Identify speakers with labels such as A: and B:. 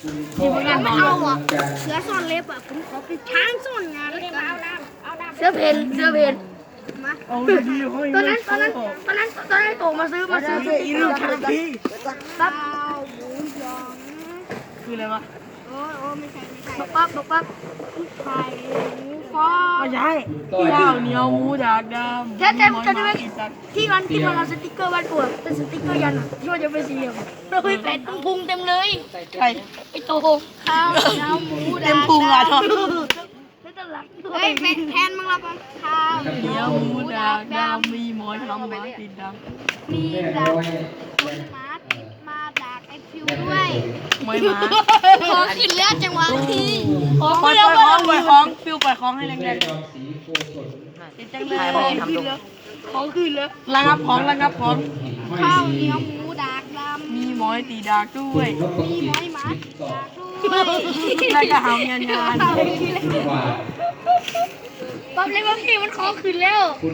A: ที่พวกนั้นเอาอ่ะ
B: เสือซ่อนเล็บอ่ะผมขอเป็นช้างซ่อนงานแล้วกัน
A: เสื้อเพน
B: มา
C: เอาดีๆห้อย
A: ตอน
C: ไม่
A: นั้น
C: เข้า
A: โตมาซื้อ
C: อีลูกทางที่
A: ปั๊บ
B: ข้าวหมูยอง
C: คืออะไรวะ
B: โอ้ไม่ใช่
A: ปั๊บ
B: ไข่หมูฟอ
C: ไม่ใช่ข้าวเหนียวหมูดากดำ
A: แท้จะได้ไหมที่มันเอาสติ๊กเกอร์บ้านปวดเป็นสติ๊กเกอร์ยันที่ว่าจะเป็นสี่เหลี่ยมเราไปแปะตรงพุงเต็มเลย
C: ใช่
A: ไอ้โต
B: ข้าวเหนียวหมู
C: เต็มพุงอ่ะทอด
A: แล้วตลัก
B: เฮ้ยแทนมึงละกันข้าว
C: เหนียวหมูดากดำมีหมอนทำหมาติดดำ
B: มีดักมีหมาติดมาดักไอ้ฟิวด้วย
C: ไม่มา
B: ขอขึ้นเรือจังหวะที่
C: ปล่อยของฟิวปล่อยของให้แรงๆติดจังเลยของขึ้นแล้วระงับของ
B: ข้าวเหนียวหมูดักดำ
C: มีหมอยตีดากด้วย
B: มีหมอยหมาดักด้วย
C: แล้วก็หำงาน
A: ปั๊บเลยว่าพี่มันขอคืนแล้ว